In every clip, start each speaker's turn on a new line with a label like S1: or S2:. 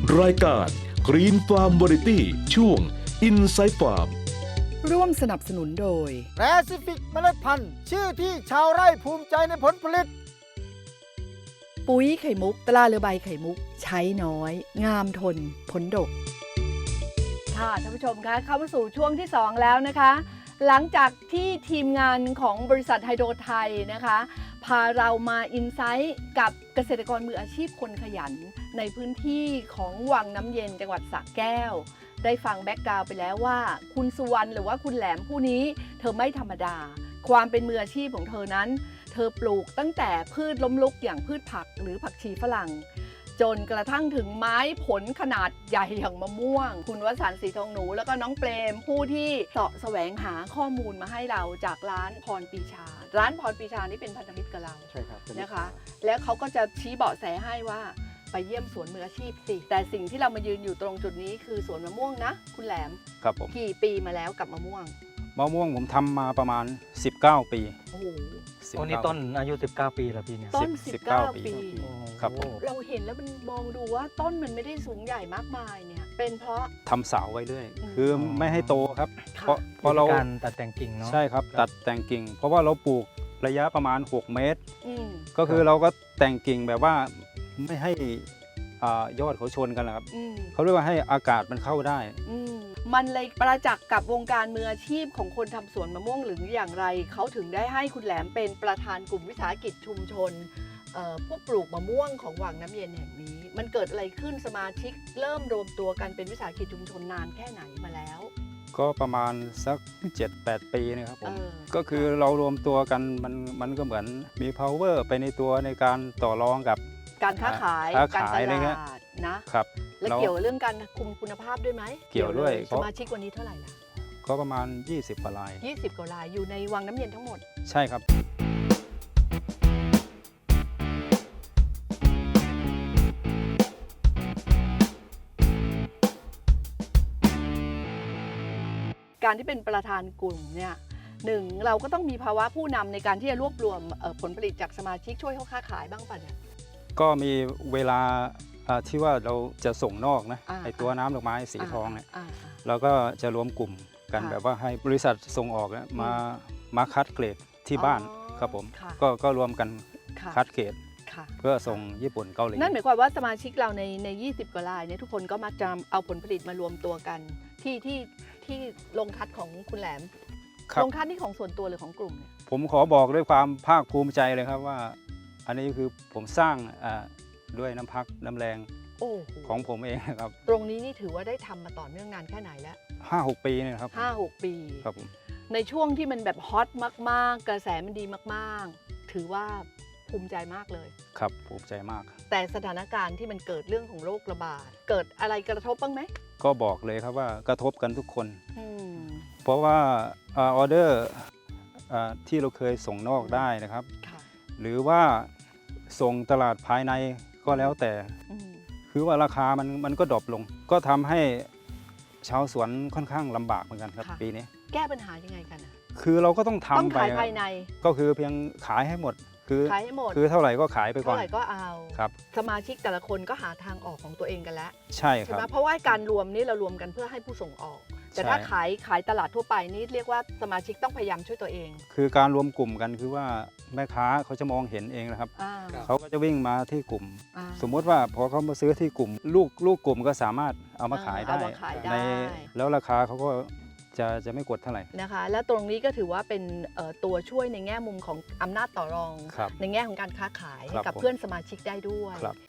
S1: รายการ Green Farm Variety ช่วง Inside Farm
S2: ร่วมสนับสนุนโดย
S3: แปซิฟิกเมล็ดพันธุ์ชื่อที่ชาวไร่ภูมิใจในผลผลิต
S2: ปุ๋ยไข่มุกตราเรือใบไข่มุก ใช้น้อย งามทน ผลดก ค่ะท่านผู้ชมคะเข้ามาสู่ช่วงที่ 2 แล้วนะคะ หลังจากที่ทีมงานของบริษัทไฮโดรไทยนะคะ พาเรามาอินไซต์กับเกษตรกรมืออาชีพคนขยัน ในพื้นที่ของวังน้ำเย็นจังหวัดสระแก้ว ได้ฟังแบ็กกราวด์ไปแล้วว่าคุณสุวรรณหรือว่าคุณแหลมผู้นี้เธอไม่ธรรมดา ความเป็นมืออาชีพของเธอนั้น เธอปลูกตั้งแต่พืชล้มลุกอย่างพืชผักหรือผักชีฝรั่ง จนกระทั่งถึงไม้ผลขนาดใหญ่อย่างมะม่วง คุณวสันต์ศรีทองหนูแล้วก็น้องเปรมผู้ที่เสาะแสวงหาข้อมูลมาให้เราจากร้านพรปีชา ร้านพรปีชานี่เป็นพันธมิตรกับเรา
S3: ใช่ครับ
S2: นะคะ แล้วเขาก็จะชี้เบาะแสให้ว่าไปเยี่ยมสวนมืออาชีพสิแต่สิ่งที่เรามายืนอยู่ตรงจุดนี้คือสวนมะม่วงนะคุณแหลม
S4: ครับผม
S2: กี่ปีมาแล้วกับมะม่วง
S4: มะม่วงผมทำมาประมาณ 19 ปี
S2: โอ้โห
S4: 19
S5: โอ้นี่ต้นอายุ 19 ปีแล้วพี่เนี่ย
S2: ต้น
S4: 19
S2: 19 ปี
S4: ครับผม
S2: เราเห็นแล้วมันมองดูว่าต้นมันไม่ได้สูงใหญ่มากมายเนี่ยเป็นเพราะ
S4: ทำเสาไว้เรื่อย
S2: อืม
S4: คือไม่ให้โตครับ
S2: ค่ะ
S4: เพราะเรา
S5: การตัดแต่งกิ่งเนาะ
S4: ใช่ครับตัดแต่งกิ่ง เพราะว่าเราปลูกระยะประมาณ 6 เมตร
S2: อืม
S4: ก็คือเราก็แต่งกิ่งแบบว่าไม่ให้ยอดเขาชนกันนะครับ
S2: อืม
S4: เขาเรียกว่าให้อากาศมันเข้าได้
S2: อืมมันเลยประจักษ์กับวงการมืออาชีพของคนทำสวนมะม่วงหรืออย่างไรเขาถึงได้ให้คุณแหลมเป็นประธานกลุ่มวิสาหกิจชุมชนผู้ปลูกมะม่วงของวังน้ำเย็นแห่งนี้ มันเกิดอะไรขึ้นสมาชิกเริ่มรวมตัวกันเป็นวิสาหกิจชุมชนนานแค่ไหนมาแล้ว
S4: ก็ประมาณสัก 7-8 ปีนะครับผม
S2: เออ
S4: ก็คือเรารวมตัวกันมันก็เหมือนมี power ไปในตัวในการต่อรองกับ
S2: การค้าขาย
S4: ค้า
S2: การ
S4: ขา
S2: ต
S4: ยอะไรเงี้
S2: ลาย ดนะ
S4: ครับ
S2: และ
S4: เรา
S2: เกี่ยวเรื่องการคุมคุณภาพด้วยไหม
S4: เกี่ยวด้วย
S2: สมาชิกวันนี้เท่าไหร่ล่ะ
S4: ก็ประมาณ 20 กว่าราย
S2: 20 กว่ารายอยู่ในวังน้ำเย็นทั้งหมด
S4: ใช่ครับ
S2: การที่เป็นประธานกลุ่มเนี่ยหนึ่งเราก็ต้องมีภาวะผู้นำในการที่จะรวบรวมผลผลิตจากสมาชิกช่วยเขาค้าขายบ้างป่ะเนี่ย
S4: ก็มีเวลาที่ว่าเราจะส่งนอกนะ
S2: อ่า
S4: ไอตัวน้ำดอกไม้สีทองเนี่ย
S2: อ่า
S4: เราก็จะรวมกลุ่มกัน
S2: ค่ะ
S4: แบบว่าให้บริษัทส่งออกเนี่ยมาคัดเกรดที่บ้าน
S2: อ๋อ
S4: ครับผม
S2: ค่ะ
S4: ก็รวมกัน
S2: ค่ะ
S4: คัดเกรด
S2: ค่ะ
S4: เพื่อส่งญี่ปุ่นเกาหลี
S2: นั่นหมายความว่าสมาชิกเราใน20 กว่ารายเนี่ยทุกคนก็มักจะเอาผลผลิตมารวมตัวกันที่ลงทัดของคุณแหลม
S4: ครับ
S2: ลงทัดนี่ของส่วนตัวหรือของกลุ่มเนี่ย
S4: ผมขอบอกด้วยความภาคภูมิใจเลยครับว่า อันนี้คือผมสร้างด้วยน้ำพักน้ำแรง
S2: โอ้โห
S4: ของผมเองนะครับ
S2: ตรงนี้นี่ถือว่าได้ทำมาต่อเนื่องนานแค่ไหนแล้ว
S4: 5-6 ปีเนี่ยนะครับ
S2: 5-6 ปี
S4: ครับผม
S2: ในช่วงที่มันแบบฮอตมากๆ กระแสมันดีมากๆ ถือว่าภูมิใจมากเลย
S4: ครับภูมิใจมาก
S2: แต่สถานการณ์ที่มันเกิดเรื่องของโรคระบาด เกิดอะไรกระทบบ้างไหม
S4: ก็บอกเลยครับว่ากระทบกันทุกคน
S2: อืม
S4: เพราะว่าออเดอร์ที่เราเคยส่งนอกได้นะครับ
S2: ค่ะ
S4: หรือว่าส่งตลาดภายในก็แล้วแต่
S2: อืม
S4: คือว่าราคามันก็ดรอปลง ก็ทำให้ชาวสวนค่อนข้างลำบากเหมือนกันครับ
S2: ค่ะ
S4: ปีนี้
S2: แก้ปัญหายังไงกันอะ
S4: คือเราก็ต้อง
S2: ต้อง
S4: ทำไป
S2: ขายภายใน
S4: ก็คือเพียงขายให้หมด คือ
S2: ขายให้หมด
S4: คือเท่าไหร่ก็ขายไปก่
S2: เท่า
S4: อน
S2: ไหร่ก็เอา
S4: ครับ
S2: สมาชิกแต่ละคนก็หาทางออกของตัวเองกันแล้ว
S4: ใช่ค
S2: ใช่
S4: รับ
S2: ไหมเพราะว่าการรวมนี่เรารวมกันเพื่อให้ผู้ส่งออก แต่
S4: ใช่
S2: ถ้าขายตลาดทั่วไปนี่เรียกว่าสมาชิกต้องพยายามช่วยตัวเอง
S4: คือการรวมกลุ่มกันคือว่าแม่ค้าเขาจะมองเห็นเองนะครับ
S2: อ่า
S4: เขาก็จะวิ่งมาที่กลุ่ม
S2: อ่า
S4: สมมุติว่าพอเขามาซื้อที่กลุ่มลูกกลุ่มก็สามารถเอามาขายได้
S2: เอามาขายได้
S4: แล้วราคาเขาก็จะไม่กดเท่าไหร่
S2: นะคะและตรงนี้ก็ถือว่าเป็นตัวช่วยในแง่มุมของอำนาจต่อรอง
S4: ครับ
S2: ในแง่ของการค้าขาย
S4: ครับ
S2: กับ
S4: ผม
S2: เพื่อนสมาชิกได้ด้วย
S4: ครับ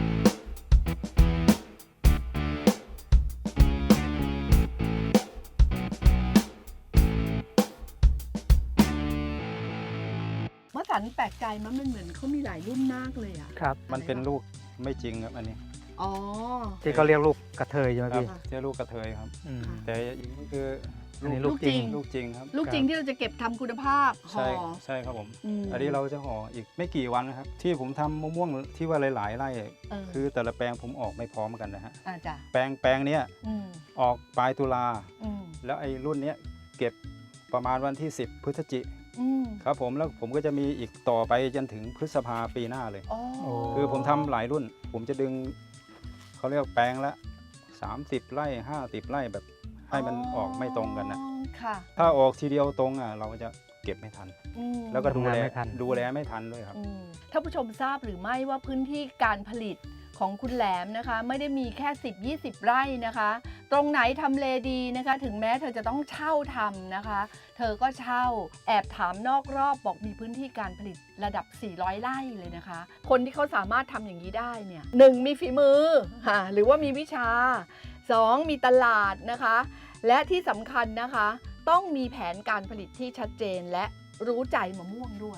S2: เมื่อสันแปลกใจมันเหมือนเขามีหลายรุ่นมากเลยอ่ะ
S5: ครับ
S4: มันเป็นลูกไม่จริงครับอันนี้
S2: อ๋อ
S5: ที่เขาเรียกลูกกระเทยใช่ไหม
S4: ครับ
S5: พี่
S4: เจ้าลูกกระเทยครับ
S5: อืม
S4: แต่อย่างนี้คือ
S5: อันนี้
S2: ลู
S5: ลู
S2: ก
S5: ก
S2: จ
S5: จ
S2: ริ
S5: ริ
S2: ง
S5: ง
S4: ลูกจริงครับ
S2: ลูกจริงที่เราจะเก็บทำคุณภาพห่อ
S4: ใช่ครับผม
S2: ม
S4: อันนี้เราจะห่ออีกไม่กี่วันนะครับ ที่ผมทำมะม่วงที่ว่าหลายๆไร่ คือแต่ละแปลงผมออกไม่พร้อมกันนะฮะ
S2: จ้ะ
S4: แปลงเนี้ย
S2: อืม
S4: ออกปลายตุลา
S2: อืม
S4: แล้วไอ้รุ่นเนี้ยเก็บประมาณวันที่ 10 พฤศจิ
S2: อืม
S4: ครับผมแล้วผมก็จะมีอีกต่อไปจนถึงพฤษภาปีหน้าเลย
S2: อ๋อ
S5: โอ้
S4: คือผมทำหลายรุ่น ผมจะดึงเขาเขาเรียกแปลงละ30 ไร่50 ไร่แบบให้มันออกไม่ตรงกันนะ
S2: ค่ะ
S4: ถ้าออกทีเดียวตรงเราจะเก็บไม่ทัน
S2: อืม
S4: แล้วก็ดูแล
S5: ทำงานไม่ทัน
S4: ดูแลไม่ทันด้วยครับ
S2: ท่านผู้ชมทราบหรือไม่ว่าพื้นที่การผลิตของคุณแหลมนะคะ ไม่ได้มีแค่10-20 ไร่นะคะ ตรงไหนทำเลดีนะคะ ถึงแม้เธอจะต้องเช่าทำนะคะ เธอก็เช่าแอบถามนอกรอบบอกมีพื้นที่การผลิตระดับ 400 ไร่เลยนะคะ คนที่เขาสามารถทำอย่างนี้ได้เนี่ย1มีฝีมือหรือว่ามีวิชา 2 มีตลาดนะคะ และที่สำคัญนะคะ ต้องมีแผนการผลิตที่ชัดเจนและรู้ใจมะม่วงด้วย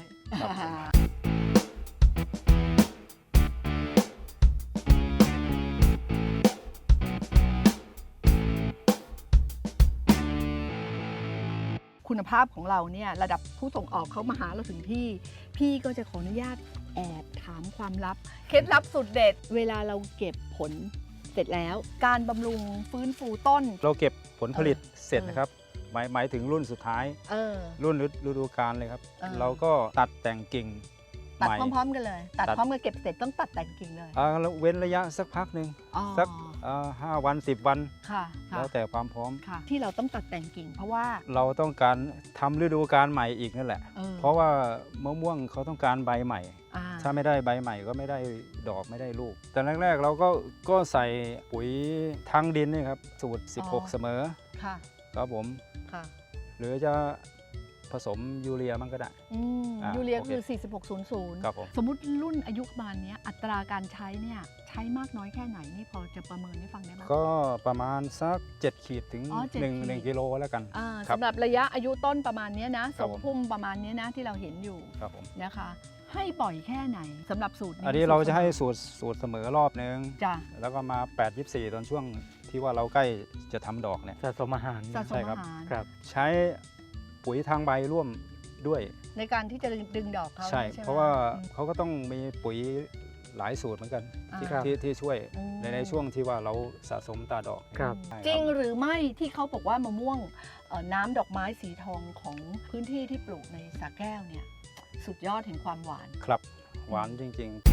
S2: คุณภาพของเราเนี่ยระดับผู้ส่งออกเขามาหาเราถึงที่ พี่ก็จะขออนุญาตแอบถามความลับ เคล็ดลับสุดเด็ด เวลาเราเก็บผลเสร็จแล้ว การบำรุงฟื้นฟูต้น
S4: เราเก็บผลผลิตเสร็จนะครับหมายถึงรุ่นสุดท้าย รุ่นฤดูกาลเลยครับ เราก็ตัดแต่งกิ่ง
S2: ตัด
S4: ใหม่
S2: พร้อมๆกันเลย ตัด
S4: ตัด
S2: พร้อมกันเก็บเสร็จต้องตัดแต่งกิ่งเลย
S4: แล้วเว้นระยะสักพักหนึ่ง
S2: อ๋อ
S4: สัก5 วัน 10 วัน
S2: ค่ะ
S4: แล้วแต่ความพร้อม
S2: ค่ะ ที่เราต้องตัดแต่งกิ่งเพราะว่า
S4: เราต้องการทำฤดูกาลใหม่อีกนั่นแหละ เพราะว่ามะม่วงเขาต้องการใบใหม่ ถ้าไม่ได้ใบใหม่ก็ไม่ได้ดอกไม่ได้ลูก แต่แรกๆเราก็ใส่ปุ๋ยทางดินนี่ครับสูตร 16 เสมอ
S2: ค่ะ
S4: ครับผม
S2: ค่ะ
S4: หรือจะผสมยูเรียมันก็ได้
S2: ยูเรีย
S4: โอเค
S2: คือ 4600
S4: ครับผม
S2: สมมุติรุ่นอายุประมาณเนี้ยอัตราการใช้เนี่ยใช้มากน้อยแค่ไหนนี่พอจะประเมินให้ฟังได้ไหม
S4: ก็ประมาณสัก7 ขีดถึง
S2: อ๋อ7 ขีด
S4: 1 กิโลแล้วกัน ครับ
S2: สำหรับระยะอายุต้นประมาณเนี้ยนะ
S4: ครั
S2: ส
S4: บ
S2: ม
S4: ผม
S2: พุ่มประมาณเนี้ยนะที่เราเห็นอยู่
S4: ครับผม
S2: นะคะ ให้บ่อยแค่ไหนสำหรับสูตรนี้
S4: อันนี้เราจะให้
S2: สูตร
S4: สูตรเสมอรอบนึง
S2: จ้ะ
S4: แล้วก็มา8-24 ตอนช่วงที่ว่าเราใกล้จะทำดอกเนี่ย
S5: สะสมอาหาร
S2: สะส
S4: ใช่
S2: ม
S4: ครับ
S2: อาหาร
S5: ครับ
S4: ใช้ปุ๋ยทางใบร่วมด้วย
S2: ในการที่จะดึงดอกเขา
S4: ใช่
S2: ไหม
S4: เพราะว่า
S2: อืม
S4: เขาก็ต้องมีปุ๋ยหลายสูตรเหมือนกัน
S2: อ่า
S4: ที่ช่วย
S2: อืม
S4: ในช่วงที่ว่าเราสะสมตาดอก
S5: ครับ
S4: ใช่
S2: จริงหรือไม่ที่เขาบอกว่ามะม่วงน้ำดอกไม้สีทองของพื้นที่ที่ปลูกในสระแก้วเนี่ยสุดยอดแห่งความหวาน
S4: ครับหวานจริง ๆ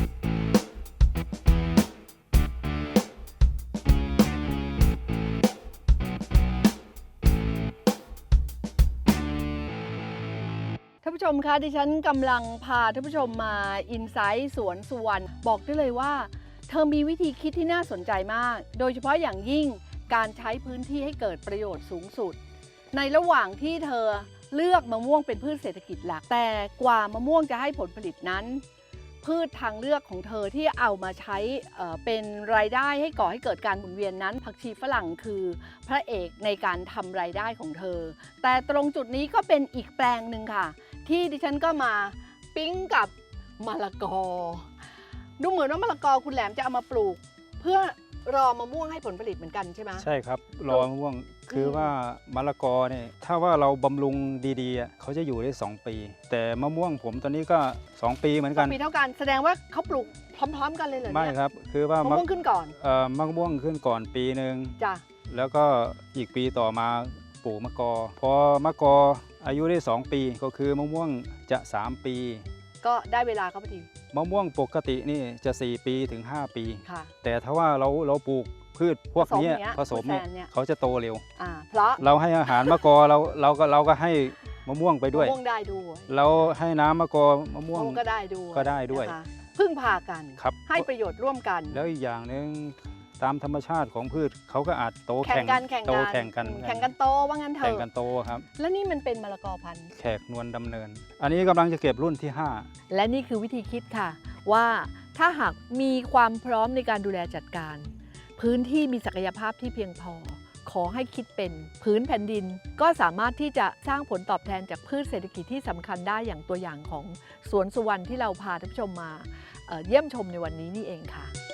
S2: ท่านผู้ชมคะดิฉันกำลังพาท่านผู้ชมมาอินไซต์สวนสุวรรณบอกได้เลยว่า เธอมีวิธีคิดที่น่าสนใจมาก โดยเฉพาะอย่างยิ่งการใช้พื้นที่ให้เกิดประโยชน์สูงสุด ในระหว่างที่เธอเลือกมะม่วงเป็นพืชเศรษฐกิจหลักแต่กว่ามะม่วงจะให้ผลผลิตนั้น พืชทางเลือกของเธอที่เอามาใช้เป็นรายได้ให้ก่อให้เกิดการหมุนเวียนนั้น ผักชีฝรั่งคือพระเอกในการทำรายได้ของเธอ แต่ตรงจุดนี้ก็เป็นอีกแปลงหนึ่งค่ะ ที่ดิฉันก็มาปิ๊งกับมะละกอ ดูเหมือนว่ามะละกอคุณแหลมจะเอามาปลูก เพื่อรอมะม่วงให้ผลผลิตเหมือนกันใช่ไหม
S4: ใช่ครับรอมะม่วงคือว่ามะละกอเนี่ยถ้าว่าเราบำรุงดีๆเขาจะอยู่ได้2 ปี แต่มะม่วงผมตอนนี้ก็2 ปีเหมือนกัน
S2: ปีเท่ากันแสดงว่าเขาปลูกพร้อมๆกันเลยเหรอ
S4: ไม่
S2: เนี่ย
S4: ครับคือว่าม
S2: ะม่วงขึ้นก่อน
S4: มะม่วงขึ้นก่อนปีหนึ่ง
S2: จ้ะ
S4: แล้วก็อีกปีต่อมาปลูกมะกอ พอมะกออายุได้2 ปีก็คือมะม่วงจะ3 ปี
S2: ก็ได้เวลาเขาพอดี
S4: มะม่วงปกตินี่จะ4 ปีถึง5 ปี
S2: ค่ะ
S4: แต่ถ้าว่าเราปลูกพืชพวกเนี้ยผ
S2: ผ
S4: ส
S2: ส
S4: ม
S2: ม
S4: เนี่ย
S2: เนี่ย
S4: เขาจะโตเร็ว
S2: เพราะ
S4: เราให้อาหารมะกอเราก็ให้มะม่วงไปด้วย
S2: มะม่วงได้ด้วย
S4: เราให้น้ำมะกอมะม่วง
S2: มะม่วงก็ได้ด้วย
S4: ก็ได้ด้วย
S2: นะคะพึ่งพากัน
S4: ครับ
S2: ให้ประโยชน์ร่วมกัน
S4: แล้วอีกอย่างหนึ่งตามธรรมชาติของพืชเขาก็อาจโต
S2: แข่งกันแข่ง
S4: โต
S2: กัน
S4: แข่งกัน
S2: แข่งกันโตว่างั้นเถ
S4: แข่งกั
S2: อะ
S4: นโตครับ
S2: แล้วนี่มันเป็นมะละกอพันธุ์
S4: แขกนวลดำเนิน อันนี้กำลังจะเก็บรุ่นที่
S2: และนี่คือวิธีคิดค่ะ ว่าถ้าหากมีความพร้อมในการดูแลจัดการ พื้นที่มีศักยภาพที่เพียงพอ ขอให้คิดเป็นพื้นแผ่นดิน ก็สามารถที่จะสร้างผลตอบแทนจากพืชเศรษฐกิจที่สำคัญได้อย่างตัวอย่างของสวนสุวรรณที่เราพาท่านผู้ชมมาเยี่ยมชมในวันนี้นี่เองค่ะ